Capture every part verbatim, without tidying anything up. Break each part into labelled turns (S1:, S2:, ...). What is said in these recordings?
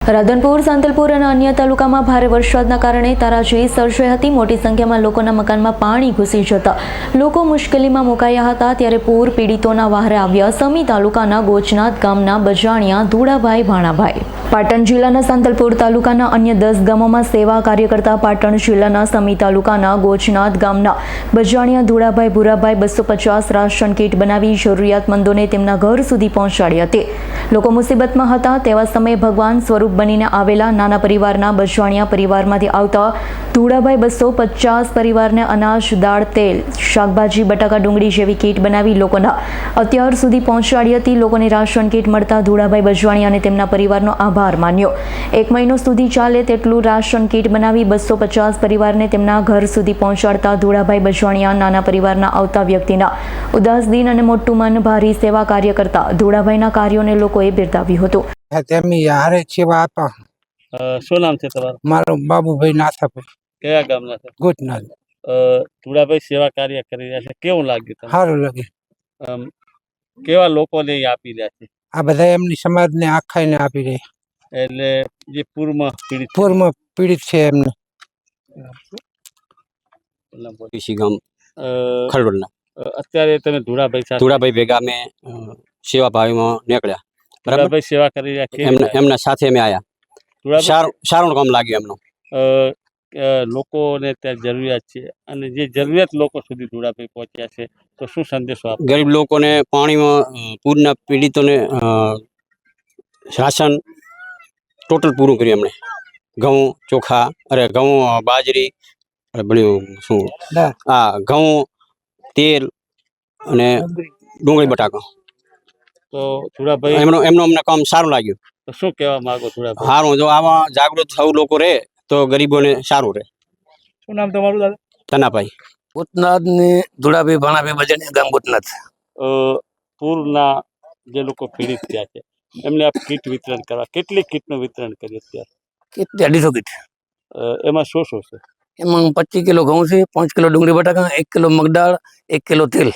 S1: રાધનપુર, સાંતલપુર અને અન્ય તાલુકામાં ભારે વરસાદના કારણે તારાજી સર્જાઈ હતી। મોટી સંખ્યામાં લોકોના મકાનમાં પાણી ઘૂસી જતા લોકો મુશ્કેલીમાં મુકાયા હતા। ત્યારે પૂર પીડિતોના વહારે આવ્યા સમી તાલુકાના ગોચનાથ ગામના બજાણિયા ધુડાભાઈ ભાણાભાઈ। પાટણ જિલ્લાના સાંતલપુર તાલુકાના અન્ય દસ ગામોમાં સેવા કાર્ય કરતા પાટણ જિલ્લાના સમી તાલુકાના ગોચનાથ ગામના બજાણિયા ધુડાભાઈ ભુરાભાઈ બસો પચાસ રાશન કીટ બનાવી જરૂરિયાતમંદોને તેમના ઘર સુધી પહોંચાડી હતી। લોકો મુસીબતમાં હતા તેવા સમયે ભગવાન સ્વરૂપ બનીને આવેલા નાના પરિવારના બજાણિયા પરિવારમાંથી આવતા ધુડાભાઈ બસો પચાસ પરિવારને અનાજ, દાળ, તેલ, શાકભાજી, બટાકા, ડુંગળી જેવી કીટ બનાવી લોકોના અત્યાર સુધી પહોંચાડી હતી। લોકોને રાશન કીટ મળતા ધુડાભાઈ બજાણિયા અને તેમના પરિવારનો આભાર માન્યો। એક મહિનો સુધી ચાલે તેટલું રાશન કીટ બનાવી બસો પચાસ પરિવારને તેમના ઘર સુધી પહોંચાડતા ધુડાભાઈ બજાણિયા નાના પરિવારના આવતા વ્યક્તિના ઉદાસ દિન અને મોટું મન ભારી સેવા કાર્ય કરતા ધુડાભાઈના કાર્યોને લોકોએ બિરદાવ્યું હતું।
S2: તેમની હારે સેવા આપા।
S3: શું નામ છે તમારું?
S2: મારું બાબુભાઈ નાથાભાઈ।
S3: કયા ગામના છે?
S2: ગોચનાથ।
S3: ધુડાભાઈ સેવા કાર્ય કરી રહ્યા છે, કેવું લાગ્યું તમને?
S2: સારું લાગે।
S3: કેવા લોકોને આપી રહ્યા છે?
S2: આ બધા એમની સમાજને આખાઈને આપી રહ્યા।
S3: એટલે જે પૂરમાં પીડિત
S2: પૂરમાં પીડિત છે એમને
S4: ગામ ખરડોલના
S3: અત્યારે તમે ધુડાભાઈ સાથે
S4: ધુડાભાઈ ભેગા અમે સેવા ભાવીમાં નીકળ્યા।
S3: ધુડાભાઈ સેવા કરી રહ્યા છે,
S4: એમના એમના સાથે અમે આવ્યા। સારું સારું કામ લાગ્યું એમનું।
S3: લોકોને ત્યાં જરૂરિયાત છે અને જે જરૂરિયાત લોકો સુધી ધુડાભાઈ પહોંચ્યા છે, તો શું સંદેશો આપો?
S4: ગરીબ લોકોને પાણીમાં પૂરના પીડિતોને રાશન ટોટલ પૂરું કર્યું એમણે। ઘઉં, ચોખા, અરે ઘઉં, બાજરી, બધું શું હા ઘઉં, તેલ અને ડુંગળી, બટાકા।
S3: તો ધુડાભાઈ
S4: એમનો એમનું અમને કામ સારું લાગ્યું।
S3: તો શું કહેવા માંગો ધુડાભાઈ?
S4: સારું, જો આમાં જાગૃત થવું લોકો રહે તો ગરીબોને સારું રહે।
S3: શું નામ તમારું દાદા?
S4: તનાભાઈ।
S5: ગોચનાથ ને ધુડાભાઈ ભાણાભાઈ બજાણિયા ગામ ગોચનાથ।
S3: પૂરના જે લોકો પીડિત થયા છે એમને આપ કીટ વિતરણ કરવા, કેટલી કીટનું વિતરણ કર્યું અત્યારે?
S5: કેટલી? અઢીસો કીટ।
S3: એમાં શું શું છે?
S5: એમાં પચીસ કિલો ઘઉં છે, પાંચ કિલો ડુંગળી બટાકા, એક કિલો મગદાળ, એક કિલો તેલ।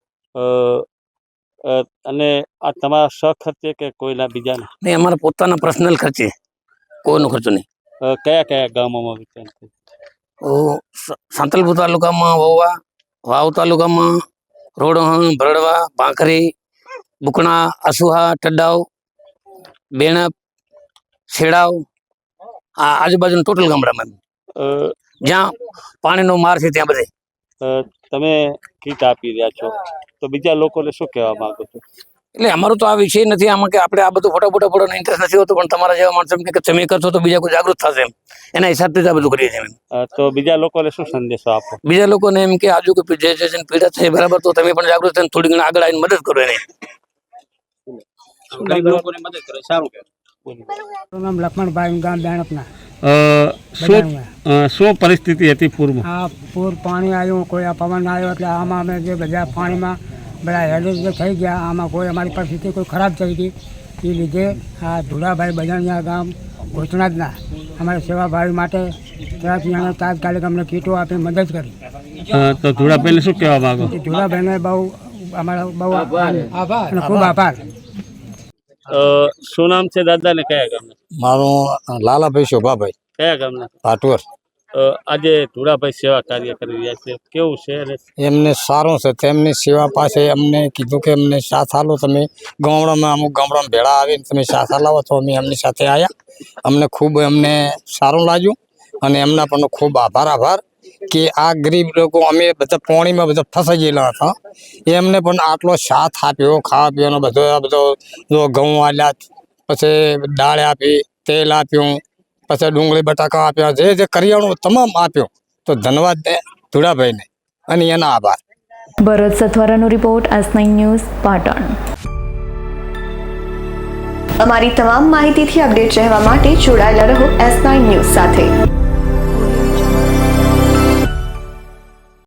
S3: અને આ તમારા સખર્ચે કે કોઈના બીજાના?
S5: નહીં, અમારા પોતાના પર્સનલ ખર્ચે, કોઈનો ખર્ચો નહીં।
S3: કયા કયા ગામોમાં વિતરણ થયું?
S5: સાંતલપુર તાલુકામાં વોવા, વાવ તાલુકામાં રોડહણ, ભરડવા, ભાંખરી, બુકણા, આસુહા, ટડાવ, બેણપ, છેડાવ, આ આજુબાજુના ટોટલ ગામડામાં જ્યાં પાણીનો માર છે ત્યાં બધે
S3: તમે કીટ આપી રહ્યા છો, તો બીજા લોકોને શું કહેવા માંગો છો?
S5: એટલે અમારું તો આ વિષય નથી આમાં કે આપણે આ બધું ફોટા ફોટા ફોટો ઇન્ટરેસ્ટ નથી હોતો, પણ તમારા જેવા માણસો કે તમે કરશો તો બીજા કોઈ જાગૃત થશે, એમ એના હિસાબથી આ બધું કરીએ છીએ।
S3: તો બીજા લોકોને શું સંદેશો આપો?
S5: બીજા લોકોને એમ કે આજુ કોઈ જે છે પીડા છે બરાબર, તો તમે પણ જાગૃત થઈને થોડી ઘણી આગળ આવીને મદદ કરો એને।
S4: ગરીબ લોકોને મદદ કરે સારું કહેવાય।
S6: નામ લક્ષ્મણભાઈ, ગામ બેણપના।
S3: શું શું પરિસ્થિતિ હતી પૂરમાં?
S6: આ પૂર પાણી આવ્યું, કોઈ આ પવન આવ્યો એટલે આમાં અમે જે બધા પાણીમાં બધા હેલ્પ થઈ ગયા। આમાં કોઈ અમારી પરિસ્થિતિ કોઈ ખરાબ થઈ ગઈ, એ લીધે આ ધુડાભાઈ બજાણિયા ગામ ગોચનાથના અમારી સેવાભાવી માટે ત્યાંથી અમે તાત્કાલિક અમને કીટો આપી મદદ કરી।
S3: તો ધુડાભાઈને શું કહેવા માંગો?
S6: ધુડાભાઈને બહુ અમારા બહુ આભાર અને ખૂબ આભાર।
S3: શું નામ છે દાદા ને કયા ગામના?
S2: મારું લાલાભાઈ શોભાભાઈ।
S3: કયા ગામના?
S2: ભાટવર।
S3: આજે ધુડાભાઈ સેવા કાર્ય કરી રહ્યા છે, કેવું છે?
S2: એમને સારું છે। તેમની સેવા પાસે અમને કીધું કે અમને સાથ હાલો, તમે ગામડામાં અમુક ગામડામાં ભેળા આવીને તમે સાથ હાલાવો, તો અમે એમની સાથે આવ્યા। અમને ખૂબ એમને સારું લાગ્યું અને એમના પણ ખૂબ આભાર આભાર કે આ ગરીબ લોકો અમે બધા પાણીમાં બધા ફસાઈ ગયેલા હતા, એમને પણ આટલો સાથ આપ્યો। ખાવા પીવાનો બધો બધો જો ઘઉં આલ્યા, પછી દાળ આપી, તેલ આપ્યું, પછી ડુંગળી બટાકા આપ્યા, જે જે કરિયાણું તમામ આપ્યો। તો ધન્યવાદ દે ધુડાભાઈને અને એના આભાર।
S1: ભરત સથવારાનો report, S nine news, Patan.
S7: અમારી તમામ માહિતીથી અપડેટ રહેવા માટે જોડાયેલા રહો એસ નાઇન ન્યૂઝ સાથે।